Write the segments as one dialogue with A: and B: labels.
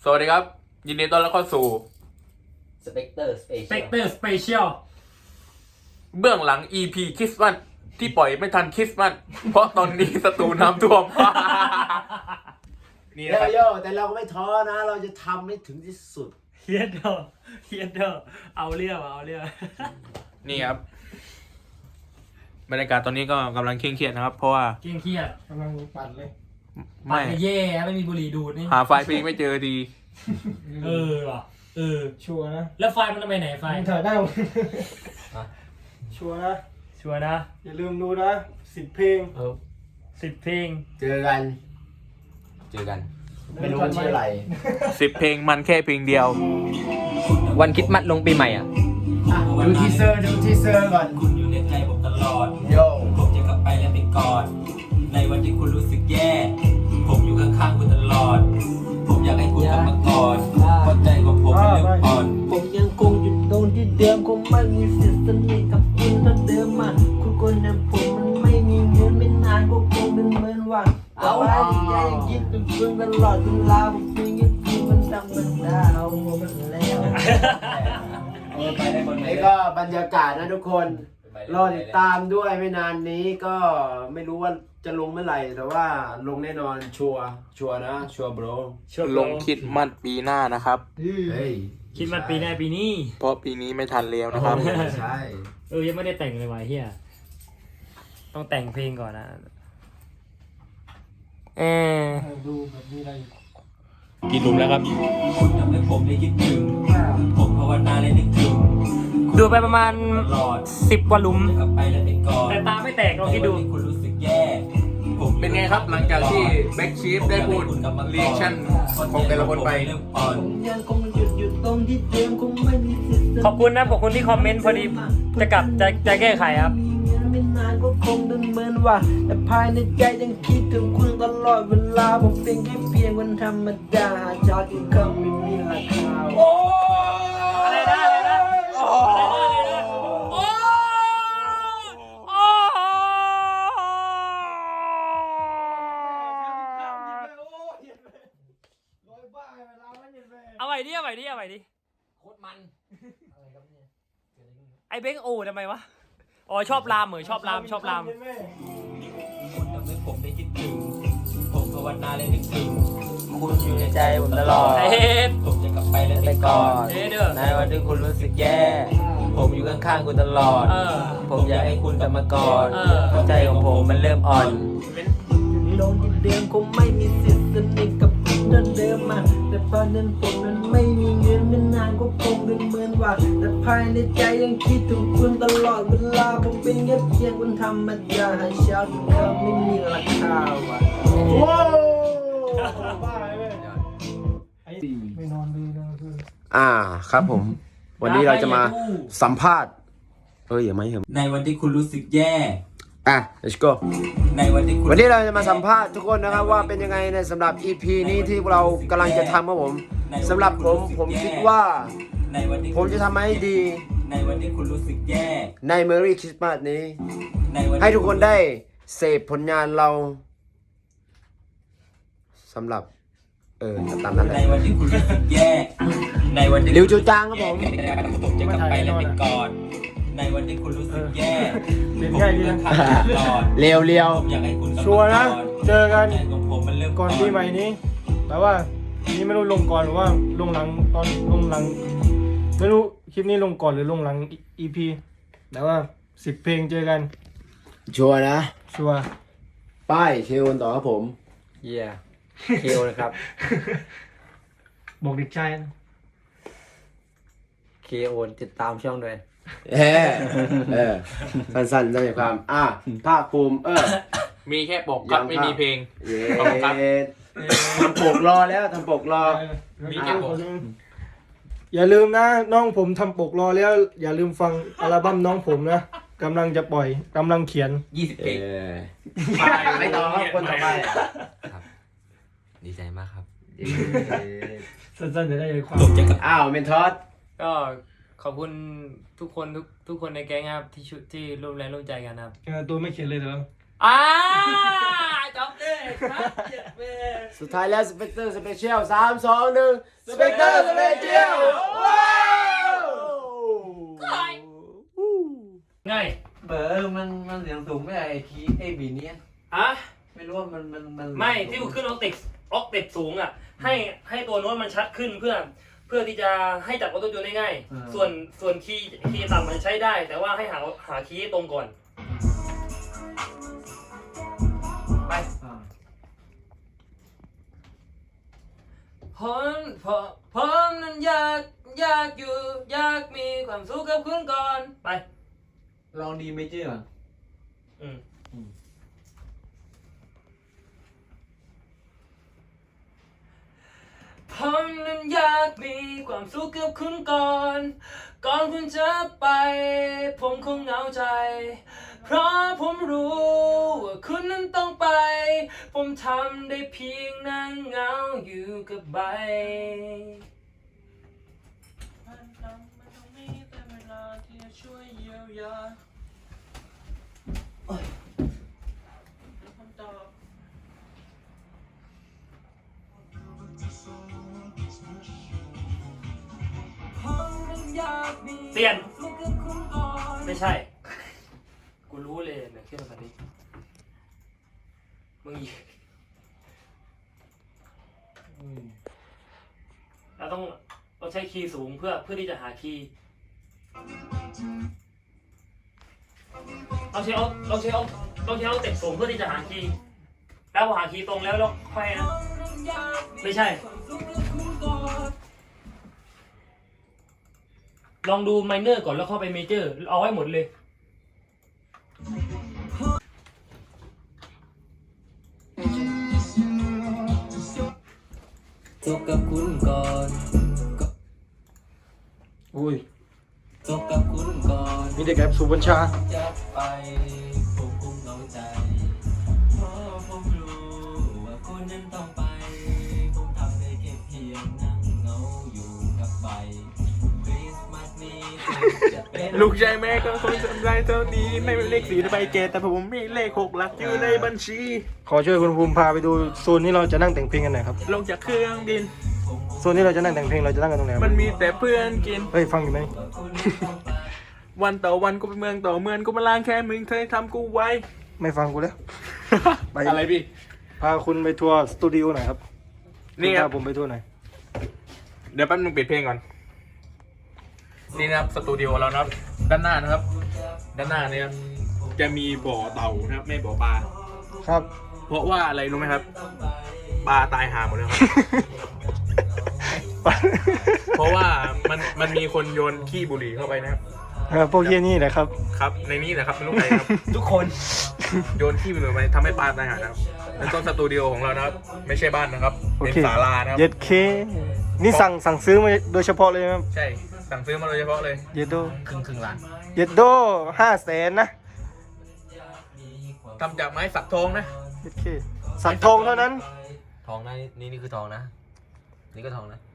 A: สวัสดีครับยินดีต้อนรับเข้าสู่
B: สเปกเตอร์สเปเชียล
A: เบื้องหลัง EP คริสต์มาสที่ปล่อยไม่ทันคริสต์มาสเพราะตอนนี้สตูน้ำท่วม นี่นะครับ
C: โยแต่เราก็ไม่ท้อนะ เราจะทำให้ถึงที่สุด
D: เฮียเดอเอาเรื่อง
A: นี่ครับบรรยากาศตอนนี้ก็กำลังเคร่งเครียดนะครับ เพราะว่า
D: เครียด
C: กำลังปั่นเลย
A: ไม่
D: แย่ไม่มีบุหรี่ดูดนี่
A: หาไฟล์เพลงไม่เจอที
D: ว่ะ
C: ชัวร์นะ
D: แล้วไฟมันทำไมไหนไฟ
C: ถ่ายได้ชัวร์นะ
D: ชัวร์นะ
C: อย่าลืมดูนะ10 เพลง
D: 10 เพลง
B: เจอกัน ไม่รู้วันชื่ออะไร
A: 10 เพลงมันแค่เพลงเดียว
B: วันคริสต์มาสลงปีใหม่อ่ะ
C: ดูทีเซอร์ก่อน
E: คุณอยู่ในใจผมตลอด
C: โย
E: ผมจะกลับไปและไปกอด ในวันที่คุณรู้สึกแย่ ผมอยู่ข้างๆคุณตลอด ผมอยากให้คุณกลับมากอดเพราะใจของผมมันเริ่มอ่อน
F: ผมยังคงอยู่ตรงที่เดิมคงไม่มีสิทธิ์สนิทกับคุณเท่าเดิมอ่ะคุณคนนั้นผมมันไม่มีเงินไม่นานก็คงเป็นเหมือนว่าเอาไว้ที่ใจยังคิดถึงคุณตลอดเวลาผมเพียงแค่คุณมันดังมันดาวมันแล้ว
B: ไปได้บน
C: นี่ก็บรรยากาศนะทุกคน รอติดตามด้วยไม่นานนี้ก็ไม่รู้ว่าจะลงเมื่อไหร่ แต่ว่าลงแน่นอนชัวร์นะชัวร์โบร
A: ลงคริดมัดปีหน้านะครับ
C: เฮ้ย
D: คิดมันปีหน้าปีนี้
A: เพราะปีนี้ไม่ทันแล้วนะครับ
C: ใช่
D: ยังไม่ได้แต่งเลยว่ะเฮียต้องแต่งเพลงก่อนนะ
C: ดูแบบมีอะไร
A: กินหลุมแล้วครับ
E: คุณทำให้ผมได้คิดถึง ผมภาวนาและนึกถึง
D: ดูไปประมาณ
E: ตลอด
D: 10 กว่าหลุม
E: จะกลับไปและไปกอด
D: แต่ตาไม่แตกลองคิดดู
E: ในวันที่คุณรู้สึกแย่ ผม
A: เป็นไงครับหลังจากที่แบ็กชีฟได้พูดรีแอคชั่นของแต่ละคนไป
E: เริ่มอ่อน
F: ผมยังคงอยู่ตรงที่เดิมคงไม่มีสิทธิ์
D: ขอบคุณนะขอบคุณที่คอมเมนต์พอดีจะกลับจะแก้ไขครับ
F: ไม่นานก็คงเป็นเหมือนว่าแต่ภายในใจยังคิดถึงคุณตลอดเวลาผมเป็นแค่เพียงคนธรรมดาจากที่คำไม่มีราคา
D: อะไรนะเอาใหม่ดิ
B: โคตรมัน
D: ไอ้เบ้งโอ้ทำไมวะ อ๋อชอบรามชอบราม
E: คุณทำให้ผมได้คิดถึง ผมภาวนาและนึกถึง คุณอยู่ในใจผมตลอด
D: ไอ้เฮ็ด
E: ผมจะกลับไปและไปกอด
D: เด้อ
E: ในวันที่คุณรู้สึกแย่ ผมอยู่ข้างๆคุณตลอด ผมอยากให้คุณกลับมากอดเพราะใจของผมมันเริ่มอ่อน
F: ลงที่เดิมคงไม่มีสิทธิ์สนิทกับคุณเท่าเดิมอ่ะแต่ตอนนั้นผมนั้นไม่มีเงินไม่นานก็คงเป็นเหมือนว่าแต่ภายในใจยังคิดถึงคุณตลอดเวลาผมเป็นแค่เพียงคนธรรมดาชาวที่เขาไม่มีราคาว่ะ
C: ว้าวบ้าเลยไม่นอนเลยนะคือครับผม วันนี้เราจะมาสัมภาษณ์อย่าไม่เหรอ
E: ในวันที่คุณรู้สึกแย่
C: let's go
E: ในวันที่คุณ
C: วันนี้เราจะมาสัมภาษณ์ทุกคนนะครับว่าเป็นยังไงในสำหรับ EP นี้ที่เรากำลังจะทำครับผมสำหรับผมคิดว่า
E: ในวันที่
C: ผมจะทำให้ดี
E: ในวันที่คุณรู้สึกแย่
C: ใน Merry Christmas นี้
E: ในวัน
C: ให้ทุกคนได้เสพผลงานเราสำหรับตามนั้นเล
E: ใน
C: ย
E: วันที่คุณรู้สึกแย่ ในวันที่
C: ริวจูจางครับผม
E: ผมจะกลับไปและไปกอด ในวันที่คุณรู้สึกแย่
C: เป็น
E: ผม
C: ไง
E: อ
C: ดี
E: ยู่
C: นะ
E: ข้างๆคุณตลอด
C: เรียว
E: ผมอยากให้คุณกลับมา
G: ชัวร์นะเจอกัน
E: ใจของผมมันเริ่ม
G: ก่อนปีใหม่นี้ แต่ว่านี่ไม่รู้ลงก่อนหรือว่าลงหลังตอนลงหลัง ไม่รู้คลิปนี้ลงก่อนหรือลงหลัง EP แต่ว่า10 เพลงเจอกัน
C: ชัวร์นะ
G: ชัวร์
C: ป้ายเชลต่อครับผม
B: เย่เคลนะครับ
G: บอกเด็กชายนะ
B: เคโอนติดตามช่องด้วย
C: สั้นๆได้ความภาคภูมิ
A: มีแค่ปกครับไม่มีเพลง
C: เย้
A: ขอบคุณครับ
C: ทำปกรอแล้วทำปกรอ
A: มีแค่ผม
G: อย่าลืมนะน้องผมทำปกรอแล้ว อย่าลืมฟังอัลบั้มน้องผมนะกำลังจะปล่อยกำลังเขียน
E: 20 เพลง
C: ไม่ต่อครับคนต่อไป
E: ดีใจมากครับ
G: สั้นๆจะได้ใจความ
E: ผมจะกลับ
C: เมนทอส
D: ก็ขอบคุณทุกคนในแก๊งครับที่ร่วมแรงร่วมใจกันครับ
G: ตัวไม่เขียนเลยเหรอ
D: จบเลย
C: สุดท้ายแล้วสเปกเตอร์สเปเชียล3 2 1สเปกเตอร์สเปเชียลว้าว
D: ง่าย
B: เบอร์มันเสียงสูงไม่ไอ้คีย์ไอ้บีเนี่ย
D: อะ
B: ไม่รู้ว่ามัน
D: ไม่ที่กูขึ้นออกเต็กสูงอ่ะให้ตัวโน้ตมันชัดขึ้นเพื่อที่จะให้จับออโต้จูนได้ง่ายส่วนคีย์ต่ำมันใช้ได้ แต่ว่าให้หาคีย์ให้ตรงก่อนไปผมนั้นอยากอยู่อยากมีความสุขกับคุณก่อนไป
B: ลองดีเมเจอร์ก่อน
D: ผมนั้นอยากมีความสุขกับคุณก่อนคุณจะไป ผมคงเหงาใจ เพราะผมรู้ว่าคุณนั้นต้องไป ผมทำได้เพียงนั่งเหงาอยู่กับใบมันต้องมีแต่เวลาที่จะช่วยเยียวยาคำตอบเปลี่ยนไม่ใช่ กูรู้เลยเนี่ยขึ้นมาดิมึงเราต้องใช้คีย์สูงเพื่อที่จะหาคีย์เราใช้เอาเต็กสูงเพื่อที่จะหาคีย์แล้วพอหาคีย์ตรงแล้วค่อยนะไม่ใช่ลองดูไมเนอร์ก่อนแล้วเข้าไปเมเจอร์เอาไว้หมดเลย
E: จบกับคุณก่อน
G: อุ้ย
E: จบกับคุณก่อน
G: มีแต่แกสุบัญชา
E: จะไปผมคงเหงาใจเพราะผมรู้ว่าคุณนั้นต้องไปผมทำได้แค่เพียงนั่งเหงาอยู่กับใบคริสต์มาสนี้จะเป็น
A: ลูกชายแม่ก็คงจำได้เท่านี้ไม่เป็นเลข4ใบเกตแต่ผมมีเลข6หลักอยู่ในบัญชี
G: ขอช่วยคุณภูมิพาไปดูโซนที่เราจะนั่งแต่งเพลงกันหน่อยครับ
A: ลงจากเครื่องบิน
G: โซนที่เราจะนั่งแต่งเพลงเราจะนั่งกันตรงไหนครับ
A: มันมีแต่เพื่อนกิน
G: เฮ้ยฟังอยู่ไหม
A: วันต่อวันก็ไปเมืองต่อเมืองก็มาล้างแค่มึงเคยทำกูไว้
G: ไม่ฟังกูแล้ว ไป
A: อะไรพี่
G: พาคุณไปทัวร์สตูดิโอหน่อยครับ
A: นี่ค
G: พา
A: รับ
G: ผมไปทัวร์หน่อย
A: เดี๋ยวแป๊บนึงปิดเพลงก่อน นี่นะครับสตูดิโอเรานะครับ ด้านหน้านะครับ ด้านหน้าเนี่ยจะมีบ่อเต่านะครับไม่บ่อปลา
G: ครับ
A: เพราะว่าอะไรรู้ไหมครับ ปลาตายหาหมดแล้วครับ เพราะว่ามันมีคนโยนขี้บุหรี่เข้าไปนะครับ
G: พวกเฮียนี่แหละครับ
A: ครับ ในนี้แหละครับไม่รู้ใครครับ
D: ทุกคน
A: โยนขี้บุหรี่ไปทำให้ปลาตายหานะครับแล้วก็สตูดิโอของเรานะครับ ไม่ใช่บ้านนะครับ
G: โอ
A: เป็น
G: เค
A: ศาลานะครับ
G: เย็ดเค นี่สั่งซื้อมาโดยเฉพาะเลยไหมครับ
A: ใช่ สั่งซื้อมาโดยเฉพาะเลย
G: เย็ดโด
A: ครึ่งล้าน
G: เย็ดโด500,000นะ
A: ทำจากไม้สักทองนะ
G: เย็ดเคสักทองเท่านั้น
B: ทองนะนี่คือทองนะ นี่ก็ทองนะ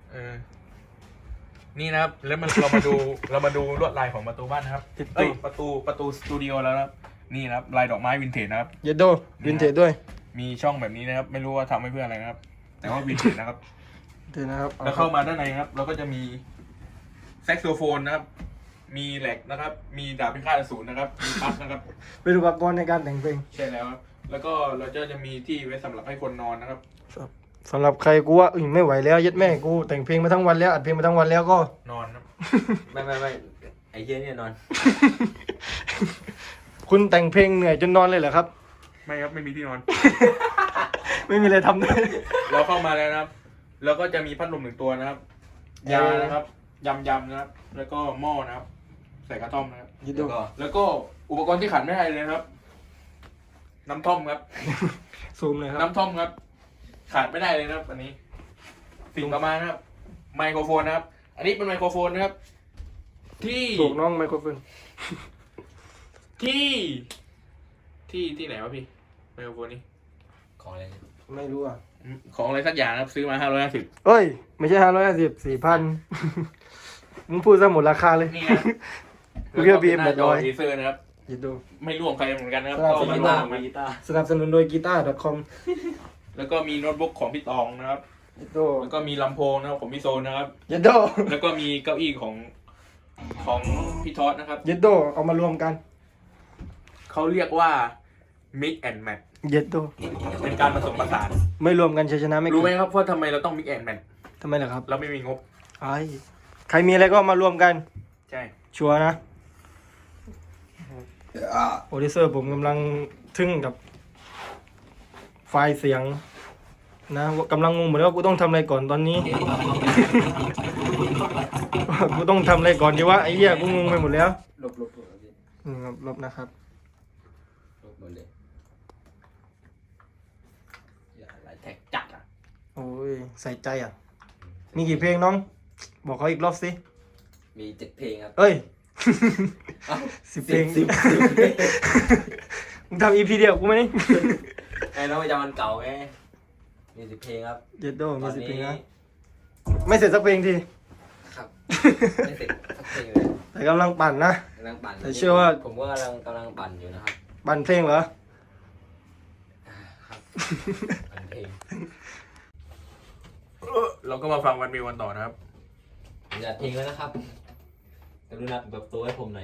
A: นี่นะครับ แล้วเรามาดูลวดลายของประตูบ้านนะครับ เอ้ยประตูสตูดิโอแล้วนะครับ นี่นะครับลายดอกไม้วินเทจนะครับ
G: เย็ดโดวินเทจด้วย
A: มีช่องแบบนี้นะครับ ไม่รู้ว่าทำไว้เพื่ออะไรนะครับ แต่ว่าวินเทจนะครับ
G: เดี๋ยวนะครับ
A: แล้วเข้ามาด้านในครับ เราก็จะมีแซกโซโฟนนะครับ มีแหลกนะครับ มีดาบพิฆาตอสูรนะครับ มีปั๊บนะครับ
G: เป็นอุปกรณ์ในการแต่งเพลง
A: ใช่แล้วครับแล้วก็เราจะมีที่ไว้สำหรับให้คนนอนนะครับ
G: สำหรับใครกูว่าไม่ไหวแล้วเย็ดแม่กูแต่งเพลงมาทั้งวันแล้วอัดเพลงมาทั้งวันแล้วก็
A: นอนครับ
B: ไม่ไอ้เฮียเนี่ยนอน
G: คุณแต่งเพลงเหนื่อยจนนอนเลยเหรอครับ
A: ไม่ครับไม่มีที่นอน
G: ไม่มีอะไรทำเลย
A: เราเข้ามาแล้วนะครับ แล้วก็จะมีพัดลม1 ตัวนะครับ ยานะครับยำนะครับ แล้วก็หม้อนะครับ ใส่กระท่อมนะครับ
G: ยิดดู
A: แล้วก็อุปกรณ์ที่ขาดไม่ได้เลยนะครับ น้ำท่อมครับ
G: ซูมเลยครับ
A: น้ำท่อมครับ ขาดไม่ได้เลยนะครับ อันนี้ สิ่งต่อมานะครับ ไมโครโฟนนะครับ อันนี้เป็นไมโครโฟนนะครับ ที่
G: ถูกน้องไมโครโฟน
A: ที่ไหนวะพี่ไมโครโฟนนี้
B: ของอะไร
G: ไม่รู้อ่ะ
A: ของอะไรสักอย่างนะครับ ซื้อมา550
G: เอ้ย ไม่ใช่550 4,000 มึงพูดซะหมดราคาเลย
A: นี่นะ
G: กูเรียก BM
A: หน้าจอ
G: 800
A: เอเซอร์นะครับ
G: ยิดดู
A: ไม่ร่วมใครเหมือนกันนะครับ
G: ครับ
A: ก็มาร่วมกัน
G: สนับสนุนโดยกีตาร์ .com
A: แล้วก็มีโน้ตบุ๊กของพี่ตองนะครับ
G: ยิดดู
A: แล้วก็มีลำโพงนะครับของพี่โซนนะครับ
G: ยิดดู
A: แล้วก็มีเก้าอี้ของพี่ทอดนะครับ
G: ยิดดูเอามารวมกัน
A: เขาเรียกว่า mix and match
G: ยิดดู
A: เป็นการผสมผสาน
G: ไม่รวมกันชัยชนะไม่เกิด
A: รู้ไหมครับว่าทำไมเราต้อง mix and match
G: ทำไมล่ะครับ
A: เราไม่มีงบ
G: ใครมีอะไรก็มารวมกัน
A: ใช่
G: ชัวร์นะโปรดิวเซอร์ผมกำลังทึ่งกับไฟล์เสียงนะกำลังงงเหมือนว่ากูต้องทำอะไรก่อนตอนนี้ กูต้องทำอะไรก่อนดีวะไอ้เหี้ยกูงงไปหมดแล้ว
B: ลบพี่
G: ครับลบนะครับ
B: ลบหมดเลยอย่าอะไรแท็กจัดอ่ะ
G: โอ้ยใส่ใจอ่ะ มีกี่เพลงน้อง บอกเขาอีกรอบสิ
B: มี7 เพลงครับ
G: เอ้ย
B: เอ้า
G: 10 เพลง
B: 10
G: มึงทำ EP เดียวกูไหมนี่
B: ไอ้น้องประจำวันเก่าไงมี10 เพลงครับ
G: เย็ดโดมี
B: ตอน
G: 10
B: นี้
G: เพลงนะ ไม่เสร็จสักเพลงที
B: ครับไม่เสร็จสักเพลงเลย
G: แต่กำลังปั่นนะ
B: กำลังปั่น
G: แต่เชื่อว่า
B: ผมก็กำลังปั่นอยู่นะครับ
G: ปั่นเพลงเหรอ
B: ครับปั่นเพลง
A: เราก็มาฟังวันมีวันต่อนะครับ
B: อย่าเพลงแล้วนะครับกรุณาแบบตัวให้ผมหน่อย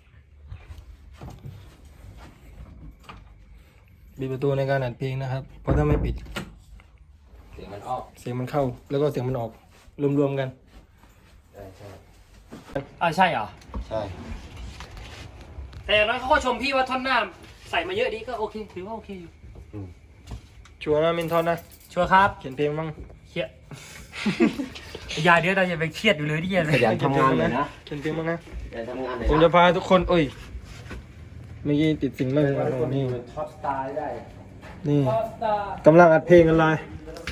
G: ปิดประตูในการอัดเพลงนะครับ เพราะถ้าไม่ปิด
B: เสียงมันออก
G: เสียงมันเข้า แล้วก็เสียงมันออก รวมๆกัน
B: ใช่
D: ใช่เหรอ
B: ใช่
D: แต่อย่างน้อยเขาก็ชมพี่ว่าท่อนหน้าใส่มาเยอะดีก็โอเคถือว่าโอเคอยู่
G: ชัวร์นะมินทอนนะ
D: ชัวร์ครับ
G: เขียนเพลงบ้าง
D: เครียด อย่าเดี๋ยวเราอย่าไปเครียดอยู่เลยที่เย็นเลย
B: ขยันทำงานเลยนะ
G: เขียนเพลงบ้างนะ
B: ขยันทำงานเลย
G: ผมจะพาทุกคนโอ้ยเมื่อกี้ติดสิ่งไม่เป็นไรนี่
B: ท็อปสตาร์ได้
G: นี่กำลังอัดเพลงกันเลย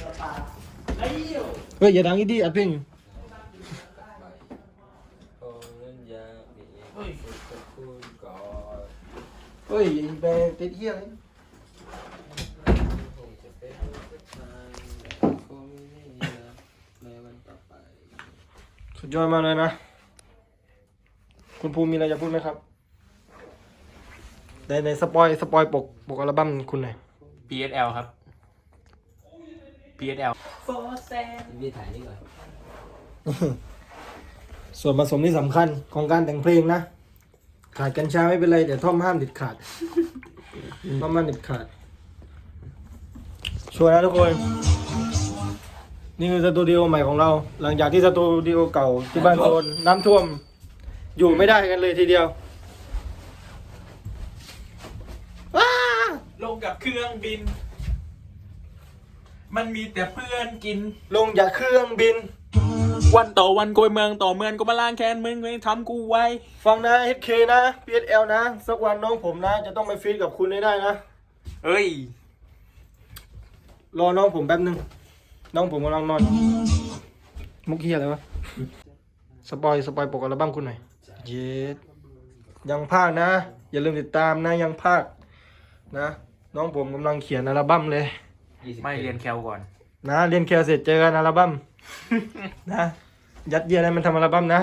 G: เฮ้ยอย่าดังอีดีอัดเพลง เฮ้ยแบร์ติดเฮียเลยสุดยอดมากเลยนะ คุณภูมิมีอะไรจะพูดไหมครับในสปอยปกอัลบั้มคุณหน่อย
A: PSL ครับ PSL
B: พี่ถ่ายนี่ก่อน
G: ส่วนผสมที่สำคัญของการแต่งเพลงนะ ขาดกัญชาไม่เป็นไรแต่ท่อมห้ามเด็ดขาด ท่อมห้ามเด็ดขาด ชัวร์นะทุกคน นี่คือสตูดิโอใหม่ของเรา หลังจากที่สตูดิโอเก่าที่บ้านโซนน้ำท่วม อยู่ไม่ได้กันเลยทีเดียว
A: ลงกับเครื่องบิน มันมีแต่เพื่อนกิน
G: ลงจากเครื่องบิน
A: วันต่อวันโกยเมืองต่อเมืองก็มาล้างแค้นมึงทำกูไว้
G: ฟังนะ HK นะ PSL นะ สักวันน้องผมนะ จะต้องไปฟีดกับคุณให้ได้นะ
A: เอ้ย
G: รอน้องผมแป๊บนึง น้องผมกำลังนอน มุกเฮียอะไรวะ สปอยปกอัลบั้มคุณหน่อย เย็ดยังภาคนะ อย่าลืมติดตามนะยังภาคนะ น้องผมกำลังเขียนอัลบั้มเลย
A: ไม่เรียนแคลก่อน
G: นะเรียนแคลเสร็จเจอกันอัลบั้ม นะ ยัดเยียดให้มันทำอัลบั้มนะ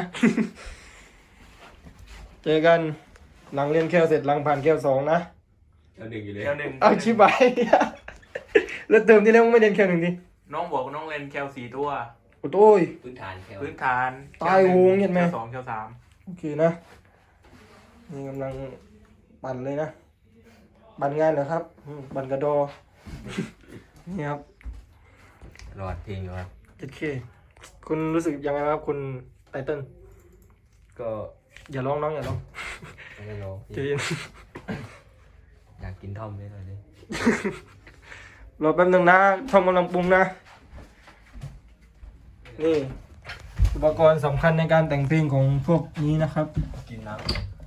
G: เจอกันหลังเรียนแคลเสร็จหลังผ่านแคล2นะ
B: เอาหนึ่งอยู่เลย
A: แคลหนึ่ง
G: เอาชิบาย แล้วเติมที่แล้วมึงไม่เรียนแคล1ดิ
A: น้องบอกน้องเรียนแคล4 ตัว
G: โอ้ย
B: พื้นฐานแคล
A: พื้นฐาน
G: ตายวงเห็นไหม
A: แคล2แคล3
G: โอเคนะนี่กำลังปั่นเลยนะปั่นงานเหรอครับปั่นกระดอ นี่ครับ
B: รอดเพลงอยู่ครับ
G: 7K คุณรู้สึกยังไงครับคุณไตเติ้ล
B: ก็
G: อย่าร้องน้องอย่าร้อง
B: ไม่รู้
G: ใจเย็น
B: อยากกินท่อมนิดหน่อยดิ
G: รอแป๊บนึงนะทำกำลังปรุงนะนี่อุปกรณ์สำคัญในการแต่งเพลงของพวกนี้นะครับ
B: กินน้ำ